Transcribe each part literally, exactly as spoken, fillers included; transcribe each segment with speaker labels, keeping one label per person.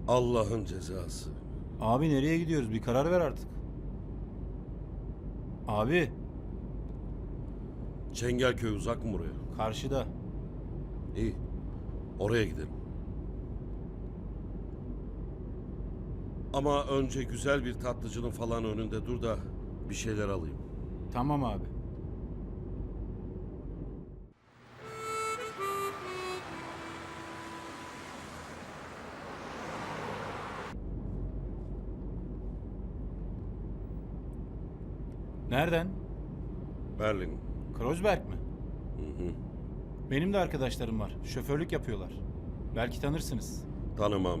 Speaker 1: Allah'ın cezası.
Speaker 2: Abi nereye gidiyoruz? Bir karar ver artık. Abi
Speaker 1: Çengelköy uzak mı buraya?
Speaker 2: karşıda.
Speaker 1: İyi. Oraya gidelim. Ama önce güzel bir tatlıcının falan önünde dur da bir şeyler alayım.
Speaker 2: Tamam abi. Nereden?
Speaker 1: Berlin.
Speaker 2: Kreuzberg mi?
Speaker 1: Hı hı.
Speaker 2: Benim de arkadaşlarım var. Şoförlük yapıyorlar. Belki tanırsınız.
Speaker 1: Tanımam.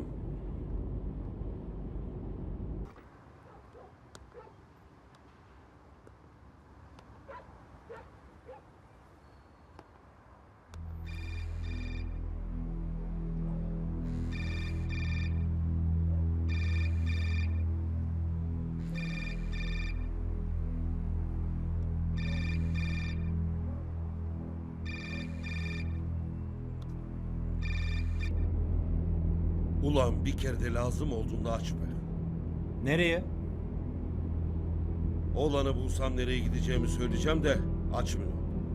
Speaker 1: Ulan bir kere de lazım olduğunda aç be.
Speaker 2: Nereye?
Speaker 1: Oğlanı bulsam nereye gideceğimi söyleyeceğim de açmıyor.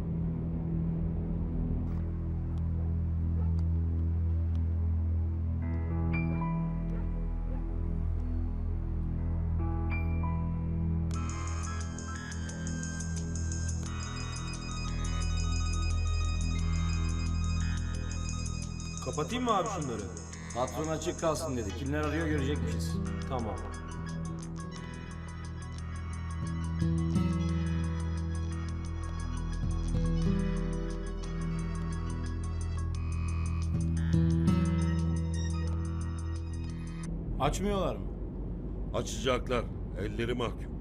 Speaker 3: Kapatayım mı abi şunları?
Speaker 4: Patron açık kalsın dedi. Kimler arıyor görecekmişiz.
Speaker 3: Tamam.
Speaker 2: Açmıyorlar mı?
Speaker 1: Açacaklar. Elleri mahkum.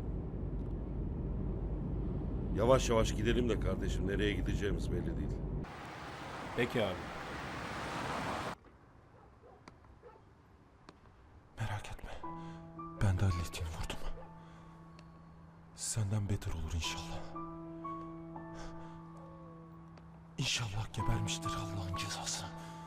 Speaker 1: Yavaş yavaş gidelim de kardeşim. Nereye gideceğimiz belli değil.
Speaker 2: Peki abi.
Speaker 5: Merak etme. Ben de hallettiğini vurdum. Senden beter olur inşallah. İnşallah gebermiştir Allah'ın cezası.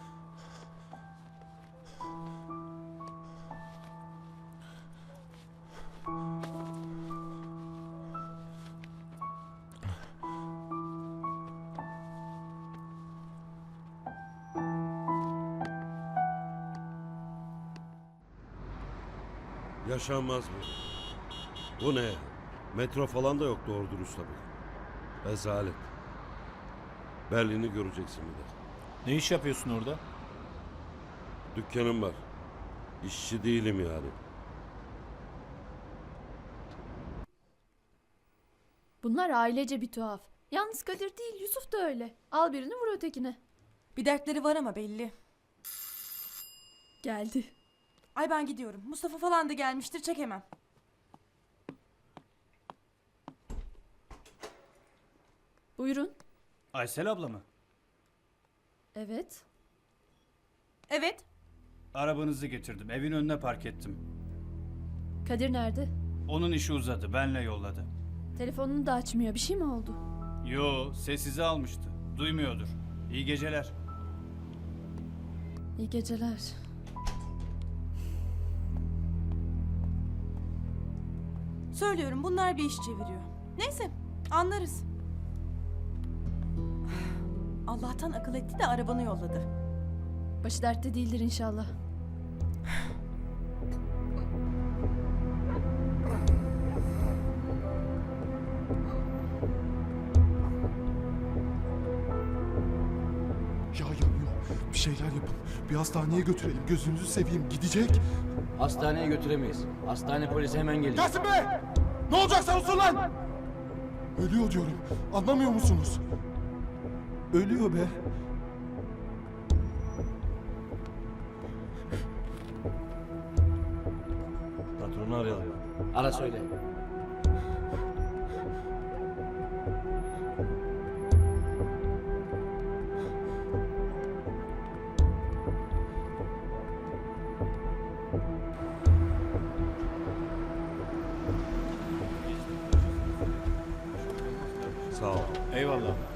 Speaker 1: Yaşanmaz mı? Bu ne? Metro falan da yok doğru dürüst tabii. Rezalet. Berlin'i göreceksin bir de.
Speaker 2: Ne iş yapıyorsun orada?
Speaker 1: Dükkanım var. İşçi değilim yani.
Speaker 6: Bunlar ailece bir tuhaf. Yalnız Kadir değil, Yusuf da öyle. Al birini vur ötekine.
Speaker 7: Bir dertleri var ama belli.
Speaker 6: Geldi.
Speaker 7: Ay ben gidiyorum. Mustafa falan da gelmiştir, çekemem.
Speaker 6: Buyurun.
Speaker 8: Aysel abla mı?
Speaker 6: Evet.
Speaker 7: Evet.
Speaker 8: Arabanızı getirdim. Evin önüne park ettim.
Speaker 6: Kadir nerede?
Speaker 8: Onun işi uzadı. Benle yolladı.
Speaker 6: Telefonunu da açmıyor. Bir şey mi oldu?
Speaker 8: Yo, sessize almıştı. Duymuyordur. İyi geceler.
Speaker 6: İyi geceler.
Speaker 7: Söylüyorum, bunlar bir iş çeviriyor. Neyse, anlarız. Allah'tan akıl etti de arabanı yolladı.
Speaker 6: Başı dertte değildir inşallah.
Speaker 5: Ya yanıyor. Bir şeyler yapın. Bir hastaneye götürelim. Gözünüzü seveyim. Gidecek.
Speaker 4: Hastaneye götüremeyiz. Hastane polisi hemen gelecek.
Speaker 5: Gelsin be! Ne olacaksa olsun lan! Ölüyor diyorum. Anlamıyor musunuz? Ölüyor be.
Speaker 4: Patronu arayalım. Ara söyle.
Speaker 1: Sağ ol.
Speaker 2: Eyvallah.